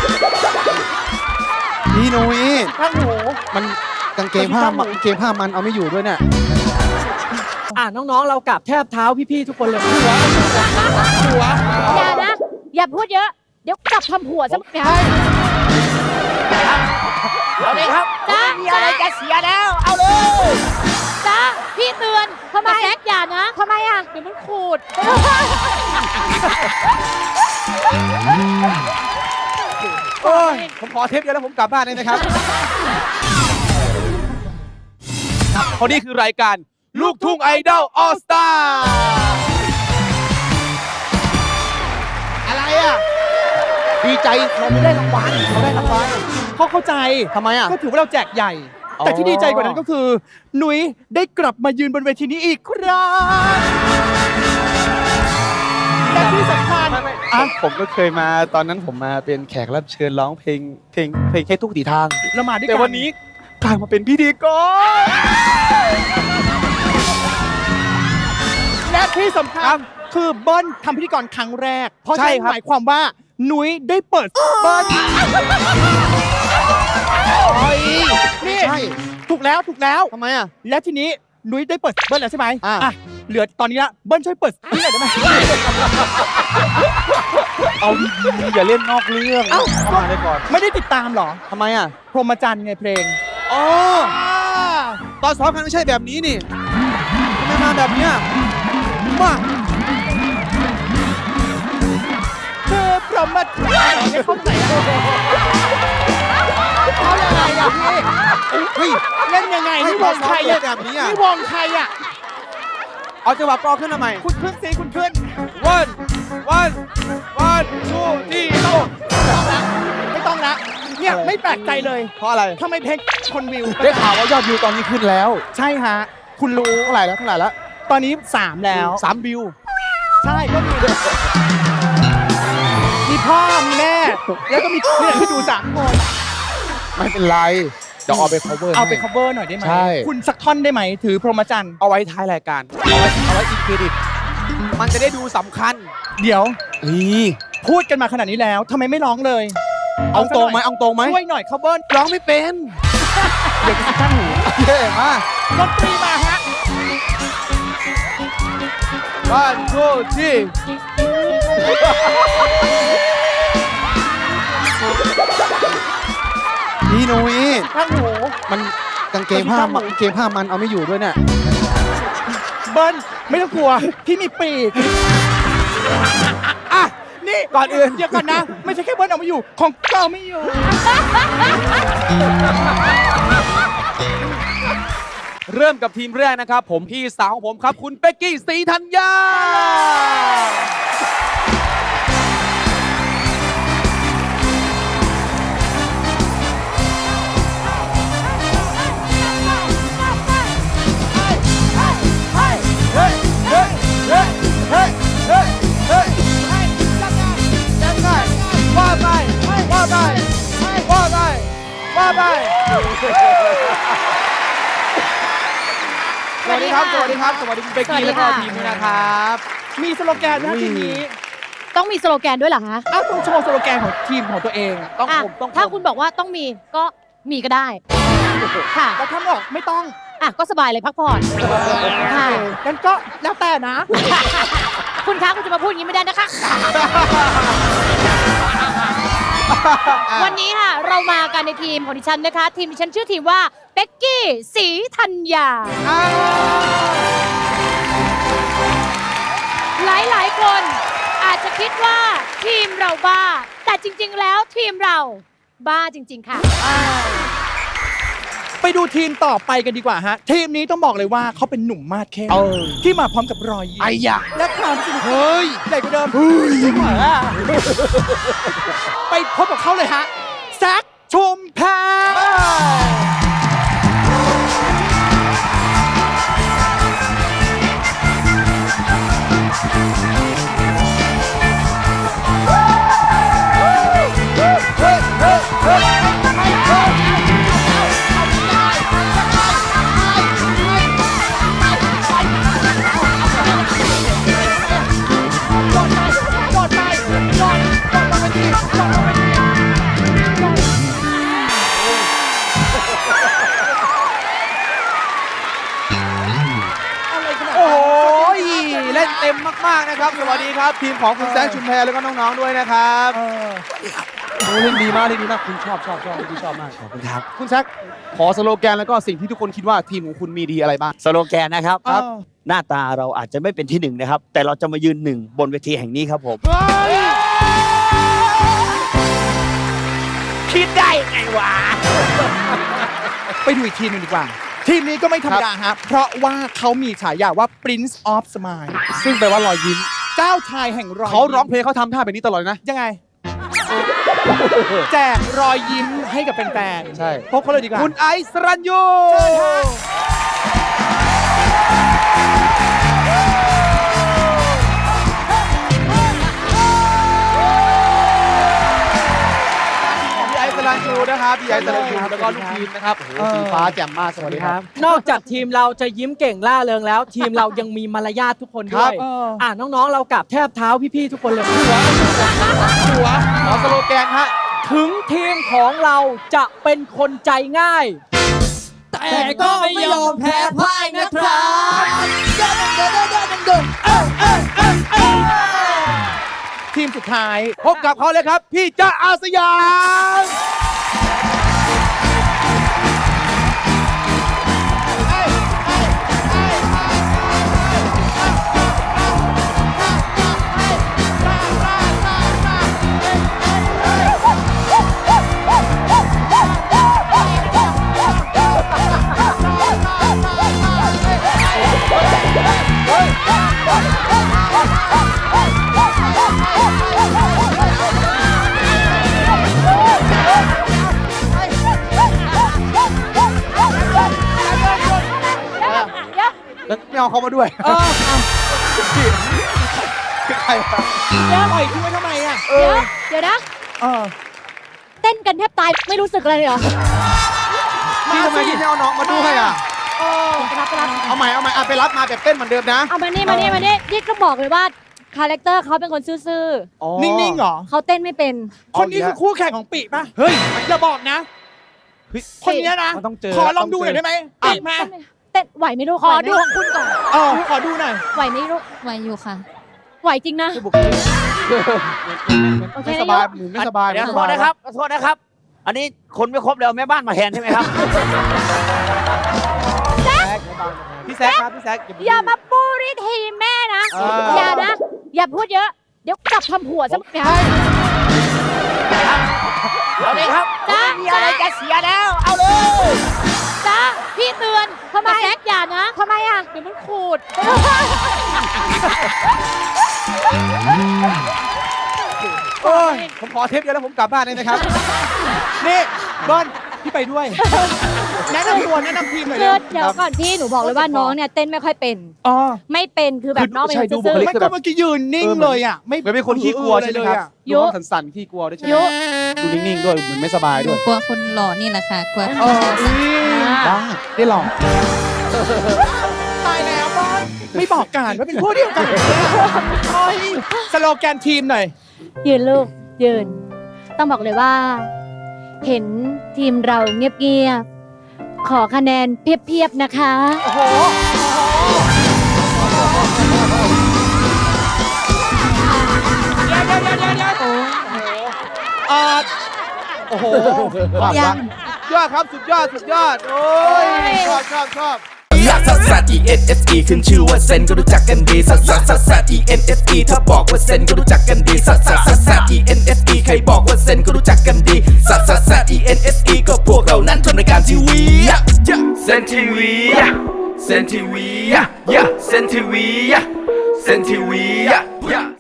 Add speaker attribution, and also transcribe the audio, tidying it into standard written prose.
Speaker 1: พี่นุ้ย
Speaker 2: ข้างหู
Speaker 1: มันกางเกงผ้ามันเอาไม่อยู่ด้วยเนี่ย
Speaker 2: น้องๆเรากราบแทบเท้าพี่ๆทุกคนเลยหัว
Speaker 3: อย่านะ อย่าพูดเยอะ เดี๋ยวกลับทำผัวซะเนี่ย
Speaker 2: เอาเลยครับ
Speaker 3: จ้า
Speaker 2: มีอะไรจะเสียแล้วเอาเลย
Speaker 3: จ้าพี่เตือนทำไมแซกอย่านะทำไมอ่ะเดี๋ยวมันขูด
Speaker 1: โอ้ยผมขอเทปเดียวแล้วผมกลับบ้านได้ไหมครับ
Speaker 4: เพราะนี่คือรายการลูกทุ่งไอดอลออสตา
Speaker 1: อะไรอ่ะ ดีใจเราไม่ได้รางวัลเราได้รางวัล
Speaker 2: เขาเข้าใจ
Speaker 1: ทำไมอ่ะ
Speaker 2: ก็ถือว่าเราแจกใหญ่
Speaker 1: อ๋อ
Speaker 2: แต่ที่ดีใจกว่านั้นก็คือ หนุยได้กลับมายืนบนเวทีนี้อีกครั้งและที่สำคัญ
Speaker 1: ผมก็เคยมาตอนนั้นผมมาเป็นแขกรับเชิญร้องเพลงแค่ทุกตีทาง
Speaker 2: เรามาด้วยกัน
Speaker 1: แต่วันนี้กลายมาเป็นพิธีกร
Speaker 2: และที่สำคัญคือเบิ้ลทำพิธีกรครั้งแรก เพราะฉะนั้นหมายความว่าหนุยได้เปิดเบิ้ลนี่
Speaker 1: ใช่
Speaker 2: ถูกแล้ว
Speaker 1: ทำไมอ่ะ
Speaker 2: และทีนี้หนุยได้เปิดเบิ้ลแล้วใช่ไหม
Speaker 1: อ่ะ
Speaker 2: เหลือตอนนี้ละเบิ้ลช่วยเปิดนี่หน่อยได้ไหม
Speaker 1: เอาดีๆอย่าเล่นนอกเรื่อง
Speaker 2: เอ้า
Speaker 1: เข้ามาได้ก่อน
Speaker 2: ไม่ได้ติดตามเหรอ
Speaker 1: ทำไมอ่ะ
Speaker 2: พรหมจรรย์ไงเพลง
Speaker 1: อ๋อตอนซ้อมกันไม่ใช่แบบนี้นี่ทำไมมาแบบเนี้ยมา
Speaker 2: เธอพรหมจรรย์ไม่เข้าใจอะเขายังไงอะพี่
Speaker 1: เฮ้ย
Speaker 2: เล่นยังไงนี่วงใครอะ
Speaker 1: แบบนี้อ่ะ
Speaker 2: นี่วงใครอะ
Speaker 1: เอาจังหวะกรองขึ้นมาใหม่
Speaker 2: คุณขึ้นสิคุณขึ้น
Speaker 1: one two three go
Speaker 2: ไม่ต้องละเนี่ยไม่แปลกใจเลย
Speaker 1: เพราะอะไร
Speaker 2: ทำไมเพลงคนวิว
Speaker 1: ได้ข่าวว่ายอดวิวตอนนี้ขึ้นแล้ว
Speaker 2: ใช่ฮะ คุณรู้
Speaker 1: เท่าไหร่แล้ว
Speaker 2: ตอนนี้ 3 แล้ว
Speaker 1: 3 วิว
Speaker 2: ใช่ก็มีพ่อ มีแม่ แล้วก็มีเนี่ยที่ดู3 คน
Speaker 1: ไม่เป็นไรเดี๋ยวเอาไป cover
Speaker 2: เอาไป
Speaker 1: ให้
Speaker 2: cover หน่อยได้ไหม
Speaker 1: ใช่
Speaker 2: คุณสักท่อนได้ไหม ถือพรหมจรรย์
Speaker 1: เอาไว้ท้ายรายการ เอาไว้อินเครดิต มันจะได้ดูสำคัญ
Speaker 2: เดี๋ยว
Speaker 1: นี่
Speaker 2: พูดกันมาขนาดนี้แล้วทำไมไม่ร้องเลย
Speaker 1: เอาตรงไหมเอาตรงไหม
Speaker 2: ช่วยหน่อย cover
Speaker 1: ร้องไม่เป็น
Speaker 2: เดี๋ยวจะตั้งหู
Speaker 1: เย้มา
Speaker 2: ดนตรีมาฮะ
Speaker 1: one two three พี่นุ้ย
Speaker 2: ข้างหู
Speaker 1: มันกางเกงผ้ามันเอาไม่อยู่ด้วยเนี่ย
Speaker 2: เบิ้ลไม่ต้องกลัว พี่มีปีกอ่ะนี่ก่อนอื่นเดี๋ยวก่อนนะ ไม่ใช่แค่เบิ้ลเอาไม่อยู่ ของเก่าไม่อยู่
Speaker 4: เริ่มกับทีมแรกนะครับ ผมพี่สาวของผมครับ คุณเป็กกี้ศรีธัญญาสวัสดีครับ สวัสดีครับ สวัสดีคุณเป็กกี้แล้วก็ทีมด้วยนะครับ
Speaker 2: มีสโลแกนไหมทีนี้
Speaker 3: ต้องมีสโลแกนด้วยเหรอคะ
Speaker 2: อ้าวต้องโชว์สโลแกนของทีมของตัวเอง
Speaker 1: ต้อง
Speaker 3: อ่ะ
Speaker 1: ผมต้อง
Speaker 3: ถ้าคุณบอกว่าต้องมีก็มีก็ได้ค่ะ
Speaker 2: แล้วถ้าบอกไม่ต้อง
Speaker 3: อ่ะก็สบายเลยพักผ่อนค่ะ
Speaker 2: งั้นก็แล้วแต่นะ
Speaker 3: คุณคะคุณจะมาพูดอย่างนี้ไม่ได้นะคะ วันนี้ค่ะเรามากันในทีมของดิฉันนะคะ ทีมดิฉันชื่อทีมว่าเป็กกี้ศรีธัญญาหลายๆคนอาจจะคิดว่าทีมเราบ้า แต่จริงๆแล้วทีมเราบ้าจริงๆค่ะ
Speaker 2: ไปดูทีมต่อไปกันดีกว่าฮะ ทีมนี้ต้องบอกเลยว่าเขาเป็นหนุ่มมาดเข้มที่มาพร้อมกับรอยยิ้ม
Speaker 1: ไอ้ยะ
Speaker 2: และความสนุก
Speaker 1: เฮ้ย
Speaker 2: ใหญ่กว่าเดิมไปพบกับเขาเลยฮะแซคชุมแพร
Speaker 1: มากๆนะครับสวัสดีครับทีมของคุณแซคชุมแพแล้วก็น้องๆด้วยนะครับโอ้เล่นดีมากคุณชอบที่ชอบมากขอบคุณครับคุณแซคขอสโลแกนแล้วก็สิ่งที่ทุกคนคิดว่าทีมของคุณมีดีอะไรบ้าง
Speaker 5: สโลแกนนะครับ
Speaker 1: ครับ
Speaker 5: หน้าตาเราอาจจะไม่เป็นที่หนึ่งนะครับ แต่เราจะมายืนหนึ่งบนเวทีแห่งนี้ครับผม คิดได้ไงวะ
Speaker 2: ไปดูอีกทีมหนึงดีกว่า ทีมนี้ก็ไม่ธรรมดาฮะเพราะว่าเขามีฉายาว่า Prince of Smile
Speaker 1: ซึ่งแปลว่ารอยยิ้ม
Speaker 2: เจ้าชายแห่งรอย
Speaker 1: เขาร้องเพลงเขาทำท่าแบบนี้ตลอดเลยนะ
Speaker 2: ยังไง แจกรอยยิ้มให้กับแฟนๆ
Speaker 1: ใช่
Speaker 2: พบเขาเลยดีกว่า
Speaker 1: คุณไอซ์สรัญยู
Speaker 2: เชิญฮะ
Speaker 1: พี่ไอซ์สรัญยูนะครับพี่ไอซ์สรัญยูแล้วก็ลูกทีมนะครับโอ้โหสีฟ้าแจ่มมากสวัสดีครับ
Speaker 6: นอกจากทีมเราจะยิ้มเก่งล่าเริงแล้ว ทีมเรายังมีมารยาททุกคนด้วย น้องๆเรากราบแทบเท้าพี่ๆทุกคนเลยหัว
Speaker 1: ขอสโลแกนฮะ
Speaker 6: ถึงทีมของเราจะเป็นคนใจง่าย แต่ก็ไม่ยอมแพ้พ่ายนะครับ
Speaker 2: ทีมสุดท้าย
Speaker 1: พบกับเขาเลยครับ พี่จ๊ะอาสยาม แล้วไม่เอาเขามาด้วยคือใครครับ
Speaker 2: ปล่อยทิ้งไว้ทำไมอ่ะ
Speaker 3: เดี๋ยวนะ
Speaker 2: เออ
Speaker 3: เต้นกันแทบตายไม่รู้สึกอะไรเลยเหรอ
Speaker 1: พี่ทำไมพี่ไม่เอาน้องมาด้วยอ่ะ
Speaker 3: ไปรับ
Speaker 1: เอาใหม่อ่ะไปรับมาแบบเต้นเหมือนเดิมนะ
Speaker 3: เอามานี่นี่ก็บอกเลยว่าคาแรคเตอร์เขาเป็นคนซื่อ
Speaker 2: นิ่งๆเหรอ
Speaker 3: ๆเขาเต้นไม่เป็น
Speaker 2: คนนี้คือคู่แข่งของปีป่ะ
Speaker 1: เฮ้ย
Speaker 2: อย่าบอกนะ
Speaker 1: เฮ้ย
Speaker 2: คนนี้นะ
Speaker 1: มันต้องเจอ
Speaker 2: ขอลองดูหน่อยได้ไหมปีมา
Speaker 3: เต้นไหวไหมลูกขอดูของคุณก่อน
Speaker 2: ขอดูหน่อย
Speaker 3: ไหวไหมลูก
Speaker 7: ไหวอยู่ค่ะ
Speaker 3: ไหวจริงนะ
Speaker 1: บุคลิก
Speaker 3: โอเค
Speaker 1: ไม่ส
Speaker 3: นะ
Speaker 1: บาย
Speaker 3: ยก
Speaker 1: หนูไม่สบาย
Speaker 5: เดี๋ยว
Speaker 1: ไม่
Speaker 5: ข
Speaker 1: ส
Speaker 5: อโท
Speaker 1: บาย
Speaker 5: ษนะครับขอโทษนะครับ อันนี้คนไม่ครบแล้วแม่บ้านมาแทนใช่ไหมครับ
Speaker 1: พี่แซคครับพี่แซค
Speaker 3: อย่ามาปูริทีมแม่นะ อย่านะ อย่าพูดเยอะ เดี๋ยวกลับทำผัวซะเนี่ย
Speaker 5: เอาเลยครับ
Speaker 3: จ้า
Speaker 5: มีอะไรจะเสียแล้ว เอาเลย
Speaker 3: จ้าพี่เตือนทำไมแซกอย่านะทำไมอ่ะเดี๋ยวมันขูด
Speaker 1: โอ้ยผมขอเทปเดียวแล้วผมกลับบ้านได้ไหมครับ
Speaker 2: นี่เบิ้ลพี่ไปด้วย แนะนำตัวแนะนำทีมหน่อย
Speaker 3: คื
Speaker 2: เร็
Speaker 3: อ
Speaker 2: ว
Speaker 3: เดี๋ยวก่อนพี่หนูบอกเลยว่าน้องเนี่ยเต้นไม่ค่อยเป็น
Speaker 2: อ๋อ
Speaker 3: ไม่เป็นคือแบบน้องเป็น
Speaker 1: ใช่
Speaker 3: คน
Speaker 1: ดูบุ
Speaker 3: ซื่
Speaker 1: ค
Speaker 3: อ
Speaker 1: ลิก
Speaker 2: ไม่ก็เมื่อกี้ยืนนิ่งเลยอ่ะ
Speaker 1: เหมือนเป็นคนขี้กลัวใช่ไหมครับ
Speaker 3: ยุ
Speaker 1: ดูห้องสั่นๆขี้กลัวด้วยใช่ไหม
Speaker 3: ยุ
Speaker 1: ดูนิ่งๆด้วยเหมือนไม่สบาย
Speaker 7: หนู
Speaker 1: ด้วย
Speaker 7: กลัวคนหล่อนี่แหละค่ะ กลัว
Speaker 1: ได้ได้ลอง
Speaker 2: ตายแล้วบอลไม่บอกกันว่าเป็นพวกเดียวกันโอ้ยสโลแกนทีมหน่อย
Speaker 3: ยืนลูกยืน ต้องบอกเลยว่า เห็นทีมเราเงียบๆขอคะแนนเพียบๆนะคะ
Speaker 2: โอ้โห
Speaker 1: โอ้โหยังยอดครับสุดยอดโอ้ยชอบ
Speaker 8: ลักซัสซัส E N S E ขึ้นชื่อว่าเซนก็รู้จักกันดีซัสซัสซัสซัส E N S E ถ้าบอกว่าเซนก็รู้จักกันดีซัสซัสซัสซัส E N S E ใครบอกว่าเซนก็รู้จักกันดีซัสซัสซัส E N S E ก็พวกเรานั้นทำรายการทีวีเซนทีวีเซนทีวีเซนทีวีเซนทีวี